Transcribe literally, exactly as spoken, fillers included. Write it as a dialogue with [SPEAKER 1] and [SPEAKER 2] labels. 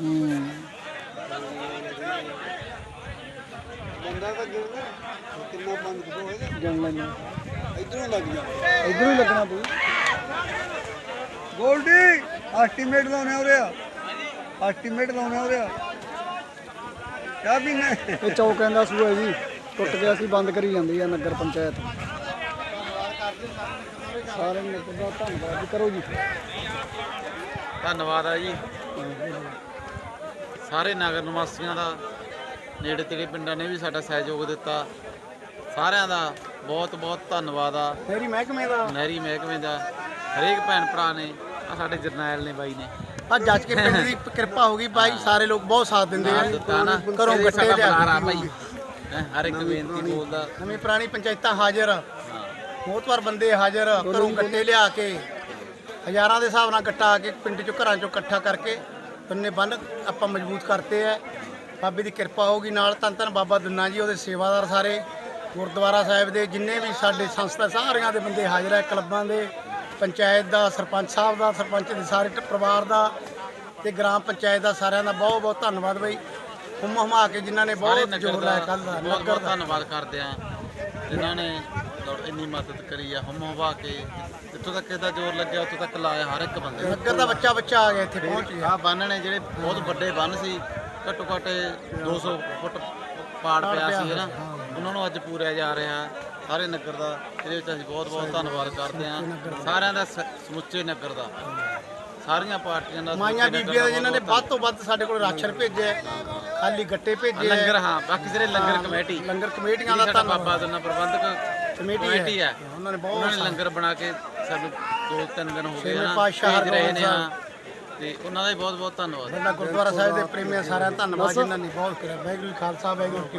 [SPEAKER 1] ਹੂੰ
[SPEAKER 2] ਬੰਦਾ ਤਾਂ ਗਿਣਦਾ ਕਿੰਨਾ ਬੰਦ ਕਿਦੋਂ ਹੋਏਗਾ
[SPEAKER 1] ਜਣ ਲੈਣਾ
[SPEAKER 2] ਇਧਰੋਂ ਲੱਗ ਜਾ
[SPEAKER 1] ਇਧਰੋਂ ਹੀ ਲੱਗਣਾ ਪਊ।
[SPEAKER 2] ਗੋਲਡੀ ਐਸਟੀਮੇਟ ਲਾਉਣੇ ਹੋ ਰਿਹਾ ਐਸਟੀਮੇਟ ਲਾਉਣੇ ਹੋ ਰਿਹਾ ਕਿਆ ਪੀਣਾ
[SPEAKER 1] ਇਹ ਚੌਕਾਂ ਦਾ ਸੂਆ ਹੈ ਜੀ, ਟੁੱਟ ਗਿਆ ਸੀ, ਬੰਦ ਕਰੀ ਜਾਂਦੀ ਆ ਨਗਰ ਪੰਚਾਇਤ। ਸਾਰੇ ਨਗਰ ਦਾ ਧੰਨਵਾਦ ਜੀ, ਕਰੋ ਜੀ।
[SPEAKER 3] ਧੰਨਵਾਦ ਆ ਜੀ ਸਾਰੇ ਨਗਰ ਨਿਵਾਸੀਆਂ ਦਾ, ਨੇੜੇ ਤੇੜੇ ਪਿੰਡਾਂ ਨੇ ਵੀ ਸਾਡਾ ਸਹਿਯੋਗ ਦਿੱਤਾ। ਸਾਰਿਆਂ ਦਾ ਬਹੁਤ ਬਹੁਤ ਧੰਨਵਾਦ ਆ।
[SPEAKER 1] ਮੇਰੀ ਮਹਿਕਮੇ ਦਾ
[SPEAKER 3] ਨਹਿਰੀ ਮਹਿਕਮੇ ਦਾ ਹਰੇਕ ਭੈਣ ਭਰਾ ਨੇ, ਆ ਸਾਡੇ ਜਰਨੈਲ ਨੇ ਬਾਈ ਨੇ
[SPEAKER 1] ਆ ਜੱਜ ਕੇ ਪਿੰਡ ਦੀ ਕਿਰਪਾ ਹੋ ਗਈ ਬਾਈ, ਸਾਰੇ ਲੋਕ ਬਹੁਤ ਸਾਥ ਦਿੰਦੇ ਆ।
[SPEAKER 3] ਦਿੱਤਾ ਨਾ
[SPEAKER 1] ਘਰੋਂ
[SPEAKER 3] ਇਹ
[SPEAKER 1] ਗੱਟੇ
[SPEAKER 3] ਸਾਡਾ
[SPEAKER 1] ਲਿਆ
[SPEAKER 3] ਬੁਲਾਰਾ ਭਾਈ ਹੈਂ, ਹਰ ਇੱਕ ਬੇਨਤੀ ਬੋਲਦਾ।
[SPEAKER 1] ਨਵੀਂ ਪੁਰਾਣੀ ਪੰਚਾਇਤਾਂ ਹਾਜ਼ਰ,
[SPEAKER 3] ਹਾਂ
[SPEAKER 1] ਬਹੁਤ ਵਾਰ ਬੰਦੇ ਹਾਜ਼ਰ, ਘਰੋਂ ਗੱਟੇ ਲਿਆ ਕੇ ਹਜ਼ਾਰਾਂ ਦੇ ਹਿਸਾਬ ਨਾਲ ਗੱਟਾ ਆ ਕੇ ਪਿੰਡ ਚੋਂ ਘਰਾਂ ਚੋਂ ਇਕੱਠਾ ਕਰਕੇ ਬੰਨੇ ਬੰਨ ਆਪਾਂ ਮਜ਼ਬੂਤ ਕਰਤੇ ਐ। ਬਾਬੇ ਦੀ ਕਿਰਪਾ ਹੋਊਗੀ ਨਾਲ। ਧੰਨ ਧੰਨ ਬਾਬਾ ਦੁੰਨਾ ਜੀ, ਉਹਦੇ ਸੇਵਾਦਾਰ ਸਾਰੇ, ਗੁਰਦੁਆਰਾ ਸਾਹਿਬ ਦੇ ਜਿੰਨੇ ਵੀ ਸਾਡੇ ਸੰਸਥਾ ਸਾਰਿਆਂ ਦੇ ਬੰਦੇ ਹਾਜ਼ਰ ਹੈ, ਕਲੱਬਾਂ ਦੇ, ਪੰਚਾਇਤ ਦਾ, ਸਰਪੰਚ ਸਾਹਿਬ ਦਾ, ਸਰਪੰਚ ਦੇ ਸਾਰੇ ਪਰਿਵਾਰ ਦਾ ਤੇ ਗ੍ਰਾਮ ਪੰਚਾਇਤ ਦਾ, ਸਾਰਿਆਂ ਦਾ ਬਹੁਤ ਬਹੁਤ ਧੰਨਵਾਦ ਬਈ। ਹੁਮ ਹੁਮਾ ਕੇ ਜਿਨ੍ਹਾਂ ਨੇ
[SPEAKER 3] ਸਾਰੇ
[SPEAKER 1] ਬਹੁਤ
[SPEAKER 3] ਨਗਰ
[SPEAKER 1] ਜ਼ੋਰ
[SPEAKER 3] ਦਾ
[SPEAKER 1] ਲਾਇਆ ਕੱਲ ਦਾ
[SPEAKER 3] ਬਹੁਤ
[SPEAKER 1] ਨਗਰ
[SPEAKER 3] ਬਹੁਤ
[SPEAKER 1] ਦਾ।
[SPEAKER 3] ਧੰਨਵਾਦ ਕਰਦੇ ਆ ਜਿਨ੍ਹਾਂ ਨੇ ਇੰਨੀ ਮਦਦ ਕਰੀ ਆ। ਹਮ ਹਵਾ ਕੇ ਜਿੱਥੋਂ ਤੱਕ ਇਹਦਾ ਜ਼ੋਰ ਲੱਗਿਆ ਉੱਥੋਂ ਤੱਕ ਲਾਇਆ ਹਰ ਇੱਕ ਬੰਦੇ ਨੇ।
[SPEAKER 1] ਨਗਰ ਦਾ ਬੱਚਾ ਬੱਚਾ ਆ ਗਿਆ, ਇੱਥੇ ਪਹੁੰਚ ਗਿਆ।
[SPEAKER 3] ਆਹ ਬੰਨ ਨੇ ਜਿਹੜੇ ਬਹੁਤ ਵੱਡੇ ਬੰਨ ਸੀ, ਘੱਟੋ ਘੱਟ ਦੋ ਸੌ ਫੁੱਟ ਪਾੜ ਪਿਆ ਸੀ ਨਾ, ਉਹਨਾਂ ਨੂੰ ਅੱਜ ਪੂਰਿਆ ਜਾ ਰਿਹਾ ਸਾਰੇ ਨਗਰ ਦਾ। ਇਹਦੇ ਵਿੱਚ ਅਸੀਂ ਬਹੁਤ ਬਹੁਤ ਧੰਨਵਾਦ ਕਰਦੇ ਹਾਂ ਸਾਰਿਆਂ ਦਾ, ਸ- ਸਮੁੱਚੇ ਨਗਰ ਦਾ, ਸਾਰੀਆਂ ਪਾਰਟੀਆਂ ਦਾ,
[SPEAKER 1] ਮਾਈਆਂ
[SPEAKER 3] ਸਮੁੱਚੇ ਨਗਰ
[SPEAKER 1] ਬੀਬੀਆਂ
[SPEAKER 3] ਦਾ
[SPEAKER 1] ਦੇ ਜਿਨ੍ਹਾਂ ਨੇ
[SPEAKER 3] ਬਹੁਤ
[SPEAKER 1] ਵੱਧ ਤੋਂ ਵੱਧ ਸਾਡੇ ਕੋਲ ਰਾਸ਼ਨ ਭੇਜਿਆ, ਖਾਲੀ ਗੱਟੇ ਭੇਜੇ,
[SPEAKER 3] ਲੰਗਰ, ਹਾਂ ਬਾਕੀ ਜਿਹੜੇ ਲੰਗਰ ਕਮੇਟੀ,
[SPEAKER 1] ਲੰਗਰ ਕਮੇਟੀਆਂ ਦਾ
[SPEAKER 3] ਸਾਡਾ
[SPEAKER 1] ਧੰਨਵਾਦ।
[SPEAKER 3] ਬਾਬਾ ਦੁੰਨਾ ਪ੍ਰਬੰਧਕ
[SPEAKER 1] ਕਮੇਟੀ
[SPEAKER 3] ਕਮੇਟੀ ਹੈ,
[SPEAKER 1] ਉਹਨਾਂ ਨੇ
[SPEAKER 3] ਉਹਨਾਂ
[SPEAKER 1] ਬਹੁਤ
[SPEAKER 3] ਨੇ ਲੰਗਰ ਬਣਾ ਕੇ ਸਾਨੂੰ ਦੋ ਤਿੰਨ ਦਿਨ ਹੋ ਗਏ
[SPEAKER 1] ਛੇਵੇਂ
[SPEAKER 3] ਨਾ
[SPEAKER 1] ਪਾਤਸ਼ਾਹ
[SPEAKER 3] ਭੇਜ ਰਹੇ ਨੇ।
[SPEAKER 1] ਹਰਗੋਬਿੰਦ
[SPEAKER 3] ਹਾਂ ਤੇ ਉਹਨਾਂ ਦਾ ਵੀ ਬਹੁਤ ਬਹੁਤ ਧੰਨਵਾਦ।
[SPEAKER 1] ਸਾਡਾ ਗੁਰਦੁਆਰਾ ਸਾਹਿਬ ਦੇ ਪ੍ਰੇਮੀਆਂ ਸਾਰਿਆਂ ਦਾ ਧੰਨਵਾਦ ਜਿਨ੍ਹਾਂ ਨੇ ਬਹੁਤ ਕਰਿਆ। ਵਾਹਿਗੁਰੂ ਜੀ ਖਾਲਸਾ, ਵਾਹਿਗੁਰੂ ਜੀ ਕੀ